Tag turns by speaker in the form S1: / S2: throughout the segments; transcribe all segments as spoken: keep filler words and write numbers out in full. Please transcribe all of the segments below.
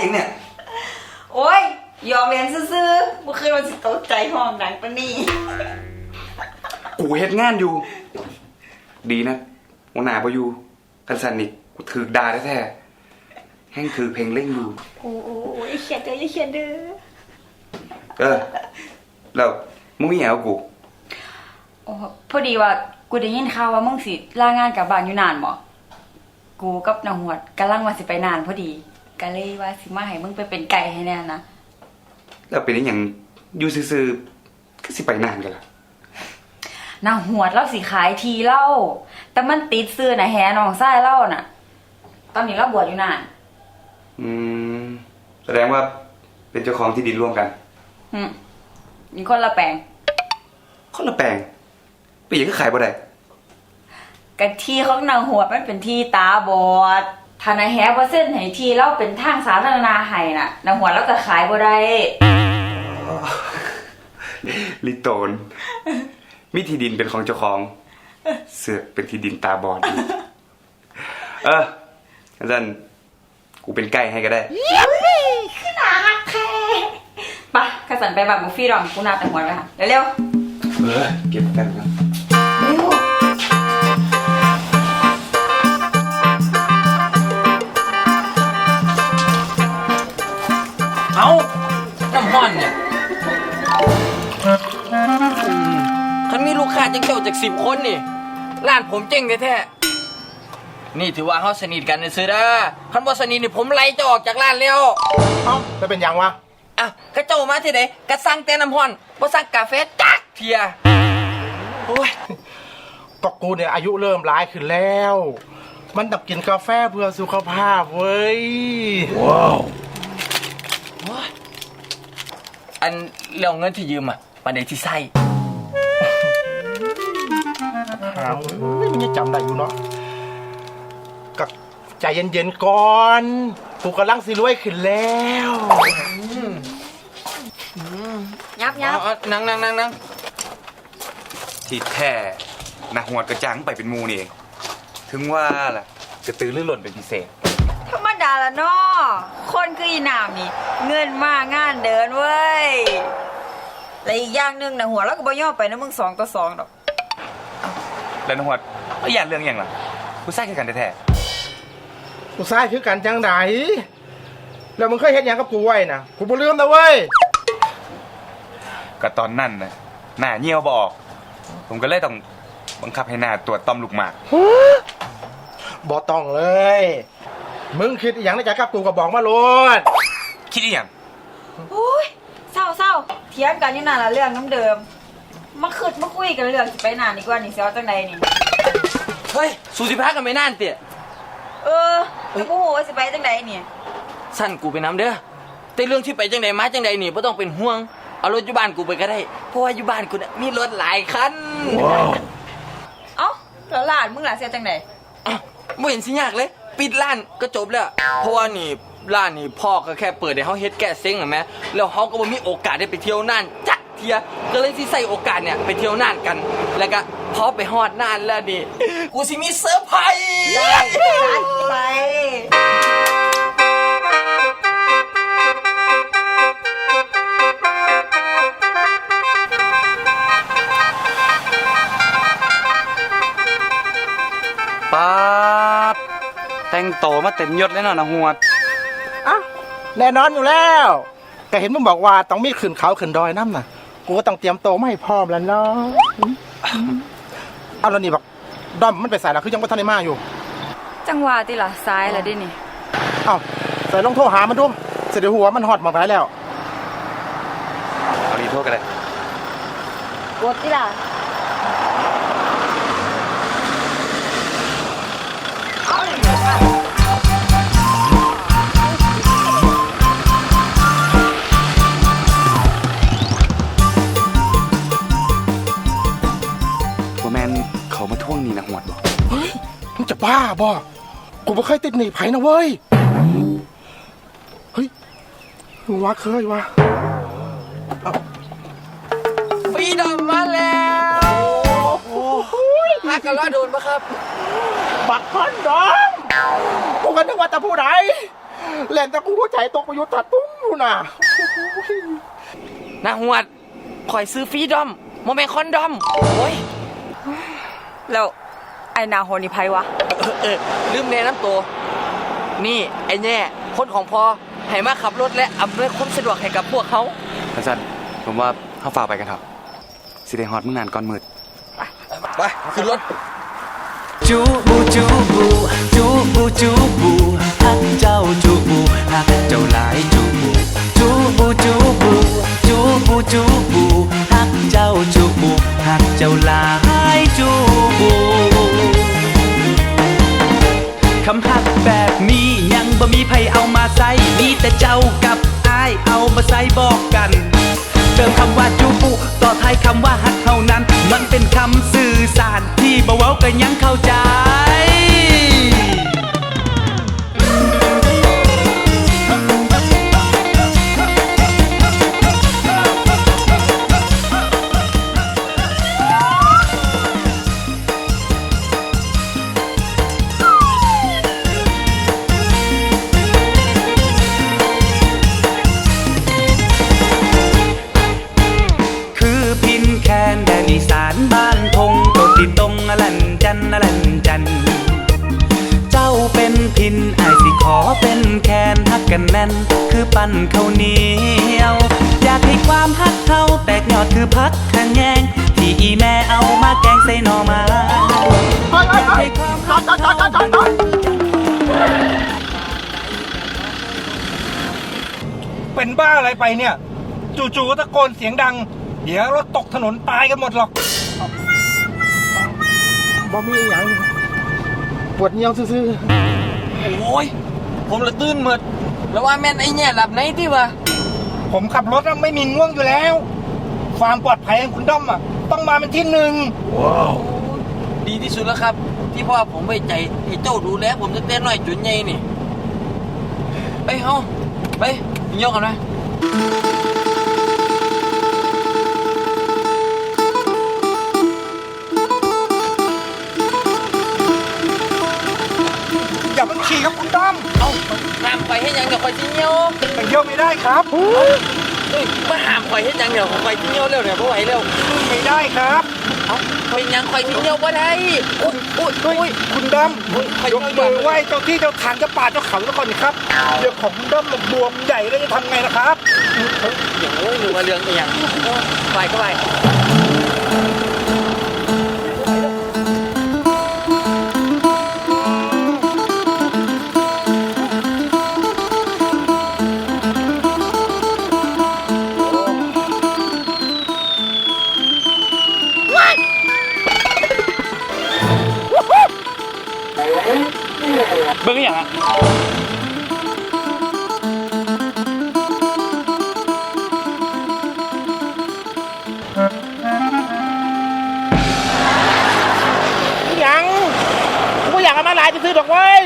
S1: อย่างเนี่ย
S2: โอ้ยยอมเรียนซื่อๆเมื่อคืนมันสิตกใจห้องดังปะนี่
S1: กูเฮ็ดงานอยู่ดีนะหัวหน้าบ่อยู่กันสันนิกกูถือด่าแท้ๆแห้งถือเพลงเล่งอยู่
S2: โอ้โอ้ยเขียนเด้ออย่าเขียนเด้อ
S1: เออแล้วมึงมีหยังกับกู
S2: โอ้พอดีว่ากูได้ยินข่าวว่ามึงสิลางานกลับบ้านอยู่นานบ่กูกับนางหวดกำลังว่าสิไปนานพอดีก็เลยว่าสิมาให้มึงไปเป็นไก่ให้แน่นะ
S1: แล้วเป็นอย่างอยู่ซื่อๆก็สิไปนานกันล่ะ
S2: นางหวดเราสิขายทีเล่าแต่มันติดซื้อน่ะแฮน้องชายเล่าน่ะตอนนี้เราบวชอยู่นาน
S1: อืมแสดงว่าเป็นเจ้าของที่ดินร่วมกัน
S2: อืมมีคนละแปลง
S1: คนละแปลงไปยังก็ขายบ่ได้
S2: กันที่ของนางหวดมันเป็นที่ตาบอดถ้านายแฮเปอร์เซ็นต์ให้ที่เราเป็นทางสาธารณะให้น่ะนางหวดเราจะขายบ่ได้
S1: ลิโตนมีที่ดินเป็นของเจ้าของเสือกเป็นที่ดินตาบอดเอออาจารย์กูเป็นไก่ให้ก็ได้
S2: ขึ้นหนาฮักแท้ปะกระสันไปแบบบุฟฟี่ดอมกูนาแต่หัวเลยค่ะเร็ว
S1: ๆเออเก็บกันครับ
S2: เร็ว
S3: เอาน้ำห้อนเนี่ยคันมีลูกค้าจังเจ้าจากสิบคนนี่ร้านผมเจ๊งแท้ๆนี่ถือว่าเขาสนิทกันนะซื้อเด้อคันว่าสนิทนี่ผมไล่เจ้าออกจากร้านแล้ว
S4: เอ้าจะเป็นยังวะ
S3: อ่ะกระเจ้ามาที่ไหนกระสั่งแต่น้ำห้อนบ่สั่งกาแฟจักเทียโอ้ย
S4: ก็กูเนี่ยอายุเริ่มร้ายขึ้นแล้วมันต้องกินกาแฟเพื่อสุขภาพเว้ยว้าว
S3: อันเรื่องเงินที่ยืมอ่ะประเดี๋ยวที่ใส่
S4: หาไม่มันจะจำได้อยู่เนาะกับใจเย็นๆก่อนกูกำลังสิรวยขึ้นแล้ว
S2: ยับยับ
S3: นั่งนั่งนั่งนั่ง
S1: ที่แท้นักหัวกระจังไปเป็นมูนี่เองถึงว่าล่ะจะตื้อลื่นหล่นเป็นพิเศษ
S2: ธรรมดาละเนาะคนคืออีหนามนี่เงินมากงานเดินเว้ยและอีกอย่างหนึ่งนะหัวแล้วก็บ่ย่อไปนะมึงสองต่อสองดอก
S1: แล้วนักหัวก็อย่าเรื่องอย่างล่ะกูใส่คือกันแท้
S4: กูใส่คือกันจังไดแล้วมึงเคยเห็นอย่างกับกูไว้นะกูบ่ลืมนะเว้ย
S1: ก็ตอนนั้นนะหน้าเหี่ยวบ่ออกผมก็เลยต้องบังคับให้หน้าตรวจต้อมลูกหมาก
S4: บ่ต้องเลยมึงคิดอย่างในใจกับกูก็บอกมาโลด
S1: คิดอย่าง
S2: โอ้ยเศร้าเศร้าเถียงกันอยู่นานละเรื่องน้ำเดิมมาคืดมาคุยกันเรื่องไปนานดีกว่านี่เสียวจังใดนี่
S3: เฮ้ยสูสิพักกันไม่นานเตี๋ย
S2: เออแล้วกูโหสิไปจังใดนี่
S3: สั้นกูไปน้ำเด้อแต่เรื่องที่ไปจังใดมาจังใดนี่ไม่ต้องเป็นห่วงเอารถอยู่บ้านกูไปก็ได้เพราะว่าอยู่บ้านกูเนี่ยมีรถหลายคัน
S4: ว้าว
S2: เอ้าแล้วหลานมึงหลานเสียจังใด
S3: อ้าวไม่เห็นสิยากเลยปิดร้านก็จบแล้วเพราะว่านี่ร้านนี่พ่อก็แค่เปิดให้เขาเฮ็ดแก้เซ็งหรอแม่แล้วเขาก็บ่มีโอกาสได้ไปเที่ยวน่านจักเทียก็เลยที่ใส่โอกาสเนี่ยไปเที่ยวน่านกันแล้วก็พอไปฮอดน่านแล้วนี่กูสิมีเซอร์ไพรส์
S2: ได้ไป
S1: ป๊าบแต่งโตมาเต็มยศเลยเนาะนะหัว
S4: อ่ะแน่นอนอยู่แล้วก็เห็นมึงบอกว่าต้องมีขึ้นเขาขึ้นดอยน้ำน่ะกูก็ต้องเตรียมโตมาให้พร้อมแล้วเนาะเอาแล้วนี่บอกดอมมันไปสายแล้วคือยังไม่ทันได้มาอยู่
S2: จังหวะที่ล่ะซ้ายแล้วดินี่
S4: เอ้าใส่ลงโทรหามันดูเสร็จหัวมันหอดมาไปแล้ว
S1: เอาดีโทษกันเลย
S2: กดที่ล่ะ
S1: เขามาท่วงนี่นะหวดบอก
S4: เฮ้ยมึงจะบ้าบ่กูไม่เคยติดหนีไผ่นะเว้ยเฮ้ยมึงว่าเคยวะ
S3: ฟีดอมมาแล้วฮักกันแล้วโดนปะครับ
S4: บักพันดอมกูก็นึกว่าจะพูดไหนเล่นแต่กูหัวใจตกประโยชน์ตัดตุ้งอยู่น่ะ
S3: นาหวดข่อยซื้อฟรีดอมโมเมนคอนดอมโอ้ย
S2: แล้วไอ้นาโฮนี่ไผวะ
S3: เออเออลืมแนะนำตัวนี่ไอ้แน่คนของพอให้มาขับรถและอำนวยความสะดวกให้กับพวกเขา
S1: อาจารย์ผมว่าเขาฝากไปกันเถอะสิได้ฮอดมึงนานก่อนมืด
S3: ไปขึ้นรถ
S5: จูบูจูบูจูบูจูบูฮักเจ้าจูบูฮักเจ้าหลายจูบูจูบูจูบูจูบูจูบูฮักเจ้าจูบูฮักเจ้าหลายจูบูคำฮักแบบนี้ยังบ่มีไผเอามาใส่มีแต่เจ้ากับอ้ายเอามาใส่บอกกันเติมคำว่าจูบูต่อท้ายคำว่าฮักเท่านั้นมันเป็นคำสื่อสารที่บ่เว้ากันยังเข้าใจอีสานบ้านทงโตติตรงอลันจันอลันจันเจ้าเป็นพินไอายสิขอเป็นแคนฮักกันแน่นคือปั้นข้าวเหนียวอยากให้ความฮักเขาแตกยอดคือพักขะแยงที่อีแม่เอามาแกงใส่หน่อไม้อยากให้ความฮักเขา
S4: เป็นบ้าอะไรไปเนี่ย จู่ๆก็ตะโกนเสียงดัง เดี๋ยวรถตกถนนตายกันหมดหรอกบ่มีอย่างปวดเงียวซื่อ
S3: โอ้ยผมละตื่นหมดแล้วว่าแม่นไอ้แน่หลับไหนที่วะ
S4: ๆผมขับรถไม่มีง่วงอยู่แล้ว ความปลอดภัยของคุณด้อมอ่ะต้องมาเป็นที่หนึ่ง
S3: ดีที่สุดแล้วครับ ที่พ่อผมไว้ใจให้เจ้าดูแลผมตั้งแต่น้อยจนใหญ่นี่ไปเฮาไปยิงยกกันนะ
S4: อย่าเพิ่งขี่ครับคุณด้อม
S3: เอาห้ามข่อยให้ยังเดี๋ยวข่อยจิเหี่ยว
S4: แต่เยี่ยวไม่ได้ครับ
S3: เฮ้ยมาห้ามข่อยให้ยังเดี๋ยวข่อยจิเหี่ยวเร็วเดี๋ยวบ่ไหวเร็ว
S4: ไม่ได้ครับ
S3: เอาเป็นยังข่อยจิเหี่ยวบ่ได้อุ้ยอุ้ยอุ้ย
S4: คุณด้อมยกมือไหว้เจ้าที่เจ้าทางเจ้าป่าเจ้าเขาแล้วก่อนนี่ครับเดี๋ยวของคุณด้อมบวมใหญ่แล้วจะทำไงนะครับ
S3: อย่างโอ้ยหนูมาเรื่องอีหยังไปก็ไป
S5: เบิ่งอย่างอ่ะ
S4: ยังกูอยากเอามาหลายจะซื้อดอกไว้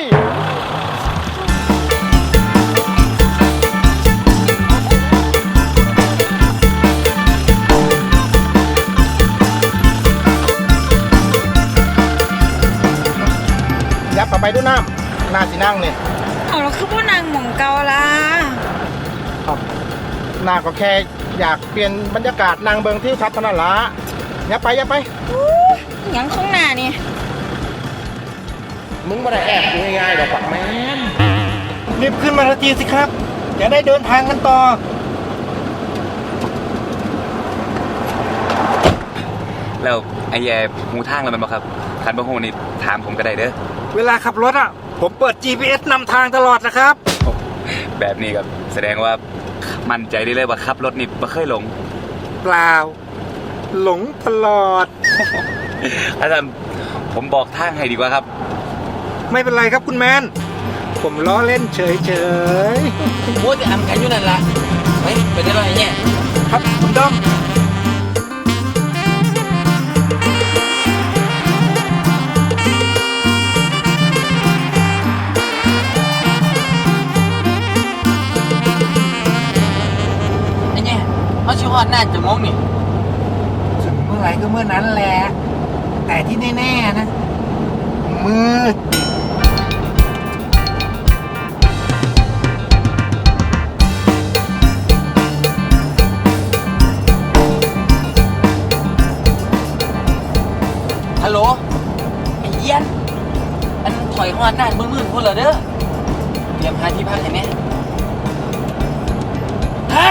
S4: ยับต่อไปด้วยน้ำน่าสินั่งเนี่ย
S2: เอาแล้วคือพวกนางหม่องเกาล่ะ
S4: ครับนาก็แค่อยากเปลี่ยนบรรยากาศนางเบิงที่ชัดเท่านั้นละอย่าไปอย่าไป
S2: หยังข้างหน้านี่
S4: มึงมาได้แอบกูง่ายๆดอกปักแม่นรีบขึ้นมาทันทีสิครับอย่าได้เดินทางกันต่อ
S1: แล้วไอ้แย่หูทางแล้วมันบ่ครับคันบ่ฮู้นี่ถามผมก็ได้เด้อ
S4: เวลาขับรถอ่ะผมเปิด จี พี เอส นำทางตลอดนะครับ
S1: แบบนี้ก็แสดงว่ามั่นใจได้เลยว่าขับรถนี่บ่เคยหลง
S4: เปล่า หลงตลอด
S1: อาจารย์ผมบอกทางให้ดีกว่าครับ
S4: ไม่เป็นไรครับคุณแมน ผมล้อเล่นเฉย
S3: โอ้ยจะอำกันอยู่นั่นล่ะไปไปได้ไรเนี่ย
S4: ๆครับคุณด้อม
S3: ไอ้เนี่ยเขาชิวฮอดน่าจะมองนี่
S4: ถึงเมื่อไหร่ก็เมื่อนั้นแหละ แต่ที่แน่ๆนะ มืด
S3: ฮัลโหลไอ้เอี้ยนอันถอยหอดนานมืดๆพุ่นเหรอเด้อเตรียมหาที่พักให้แน่ฮะ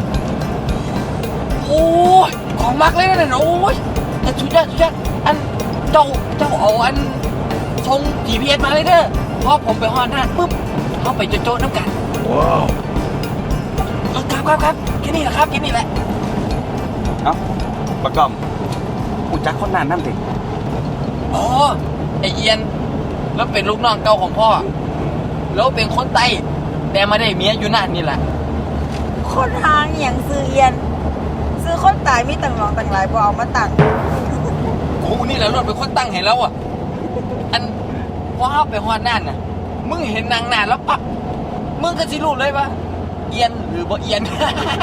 S3: โอ้ยของมักเลยนะโอ้ยแต่ชุดยอดชุดยอดอันเจ้าเจ้าเอาอันชง จี พี เอส มาเลยเด้อพอผมไปหอดนานปุ๊บเขาไปโจ๊ะๆน้ำกันว้าวเออครับครับครับแค่นี้แหละครับแค่นี้แหละ
S1: เอ้าบักกอมกูจักคนนั้นนั่นติ
S3: อ๋อไอเอียนแล้วเป็นลูกน้องเก่าของพ่อแล้วเป็นคนไต้แต่มาได้เมียอยู่นั่นนี่แหละ
S6: คนทางอย่างซื้อเอียน ซื้อคนตายมีต่างหลองต่างหลายบ่เอามาตั้ง
S3: กูนี่แหละรถเป็นคนตั้งให้แล้วอ่ะอันว้าวไปฮอดนั่นน่ะมึงเห็นนางนานแล้วปั๊บมึงก็สิรู้เลยว่าเอียนหรือบ่เอียน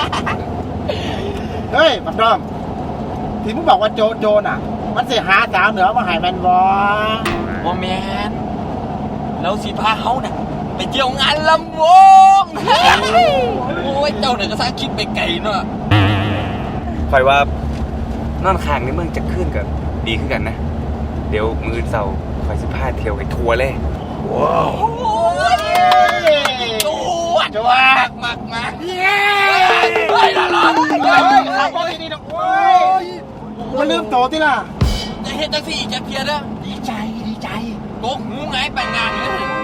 S4: เฮ้ยบักดอมที่มึงบอกว่าโจโจน่ะ มันสิหาสาวเหนือมาใหายแมนบอ
S3: บ่แมนแล้วสิพาเขาน่ะไปเที่ยวงานลำวง โอ้ยเจ้าเนี่ยก็สร้างคิดไปไกลเนาะ
S1: คอยว่านอนข้างในเมืองจะขึ้นกับดีขึ้นกันนะ เดี๋ยวมือเสาคอยสิพาเที่ยวให้ทัวร์เลย
S4: ว้าว
S3: โอ้ยจวด
S4: จวด
S3: มากมากเย้เฮ้ยละละ
S4: เฮ้ยขับรถดีๆนะโอ้ยมันลืมโตที่ล่ะ
S3: จะเฮ็ดจังสี่จะเพียรนะ
S4: ดีใจดีใจ
S3: โกกหูไงไปงานเลย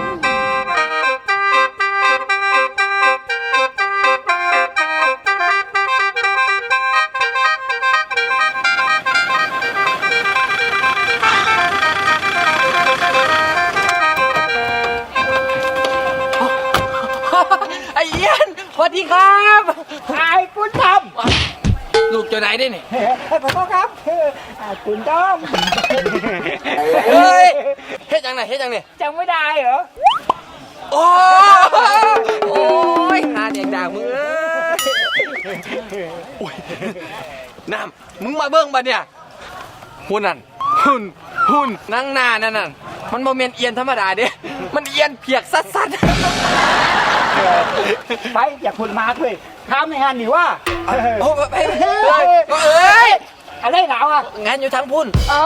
S3: ไอ้เอี้ยนสวัสดีครับ
S4: ไอ้คุณท
S3: ลูกเจ้าไหนได้เนี่ย
S4: ำขอโทษครับคุณต้อม
S3: เฮ้ยเฮ็ดจังไหนเฮ็ดจังเนี่ย
S4: จำไม่ได้เหรอ
S3: โอ้โอ้ยหาเด็กด่างมึงเอ้ยโอ้ยน้ำมึงมาเบิ่งบัดเนี่ยหุ่นนั่นหุ่นหุ่นนั่งหน้านั่นน่ะมันโมเมนเอียนธรรมดาเด้มันเอียนเพียกสัดสัด
S4: ไปอยากคุณมาคุยทำในงานหนิว่า
S3: โอ้ไปเอ้ยเอ้ย
S4: อะไรหนาวอ่ะ
S3: งานอยู่ทางพุ่น
S4: อ๋อ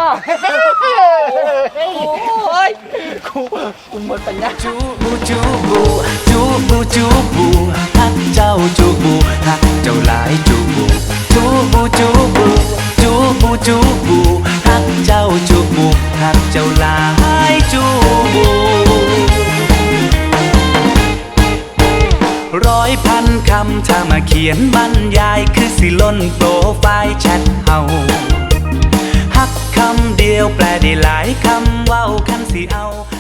S3: โอ้ย
S4: กูกูหมดปัญญา
S5: จูบูจูบูจูบูจูบูฮักเจ้าจูบูฮักเจ้าหลายจูบูจูบูจูบูจูบูจูบูฮักเจ้าจูบูฮักเจ้าหลายจูบูร้อยพันคำถ้ามาเขียนบรรยายคือสิล้นโปรไฟล์แชทเฮาฮักคำเดียวแปลได้หลายคำเว้าคันสิเอา